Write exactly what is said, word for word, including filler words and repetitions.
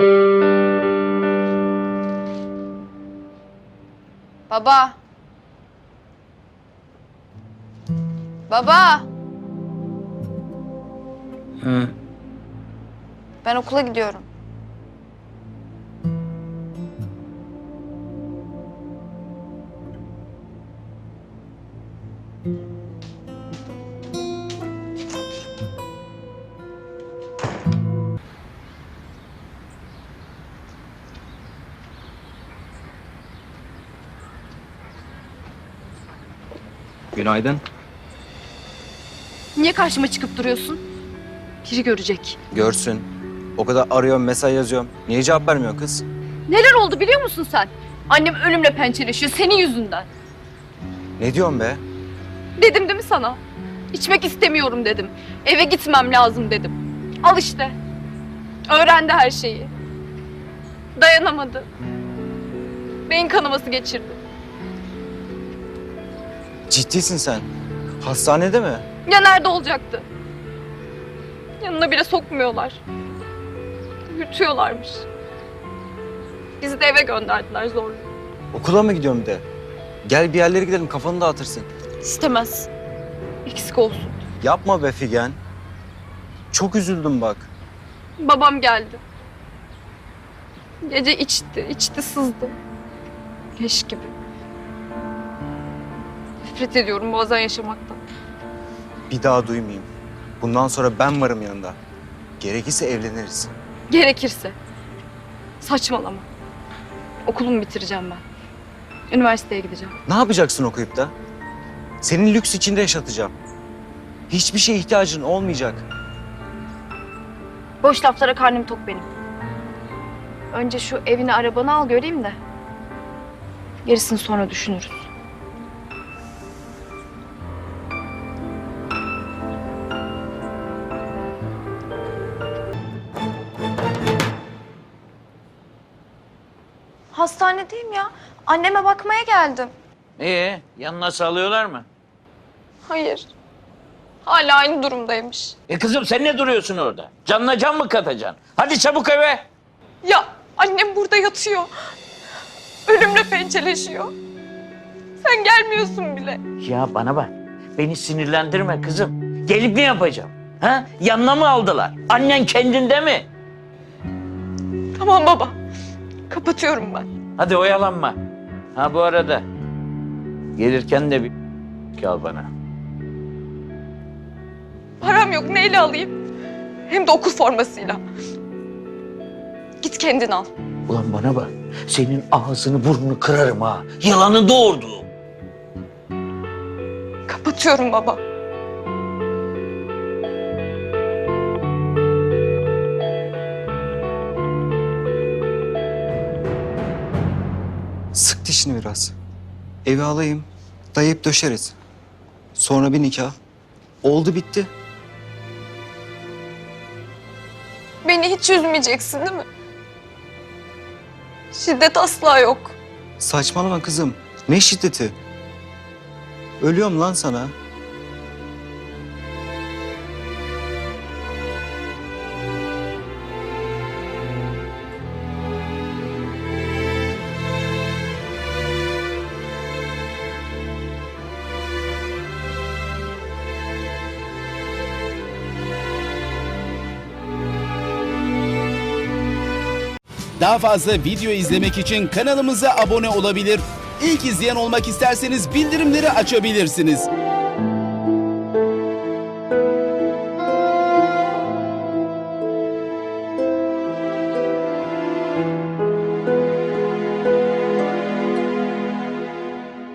Baba. Baba. Hı. Ben okula gidiyorum. Günaydın. Niye karşıma çıkıp duruyorsun? Biri görecek. Görsün. O kadar arıyorum, mesaj yazıyorum. Niye cevap vermiyor kız? Neler oldu biliyor musun sen? Annem ölümle pençeleşiyor senin yüzünden. Ne diyorsun be? Dedim değil mi sana? İçmek istemiyorum dedim. Eve gitmem lazım dedim. Al işte. Öğrendi her şeyi. Dayanamadı. Beyin kanaması geçirdi. Ciddisin sen. Hastanede mi? Ya nerede olacaktı? Yanına bile sokmuyorlar. Yürütüyorlarmış. Bizi de eve gönderdiler zorla. Okula mı gidiyorum bir de? Gel bir yerlere gidelim, kafanı dağıtırsın. İstemez. Eksik olsun. Yapma be Figen. Çok üzüldüm bak. Babam geldi. Gece içti, içti sızdı. Leş gibi. Nefret ediyorum bazen yaşamaktan. Bir daha duymayayım. Bundan sonra ben varım yanında. Gerekirse evleniriz. Gerekirse. Saçmalama. Okulumu bitireceğim ben. Üniversiteye gideceğim. Ne yapacaksın okuyup da? Senin lüks içinde yaşatacağım. Hiçbir şeye ihtiyacın olmayacak. Boş laflara karnım tok benim. Önce şu evini arabanı al göreyim de. Gerisini sonra düşünürüz. Hastanedeyim ya. Anneme bakmaya geldim. Ee, yanına sağlıyorlar mı? Hayır. Hala aynı durumdaymış. E kızım sen ne duruyorsun orada? Canına can mı katacaksın? Hadi çabuk eve. Ya annem burada yatıyor. Ölümle pençeleşiyor. Sen gelmiyorsun bile. Ya bana bak. Beni sinirlendirme kızım. Gelip ne yapacağım? Ha? Yanına mı aldılar? Annen kendinde mi? Tamam baba. Kapatıyorum ben. Hadi oyalanma. Ha bu arada gelirken de bir al bana. Param yok. Neyle alayım? Hem de okul formasıyla. Git kendin al. Ulan bana bak. Senin ağzını burnunu kırarım ha. Yılanı doğurdu. Kapatıyorum baba. Sık dişini biraz. Evi alayım, dayayıp döşeriz. Sonra bir nikah. Oldu bitti. Beni hiç üzmeyeceksin değil mi? Şiddet asla yok. Saçmalama kızım. Ne şiddeti? Ölüyorum lan sana. Daha fazla video izlemek için kanalımıza abone olabilir. İlk izleyen olmak isterseniz bildirimleri açabilirsiniz.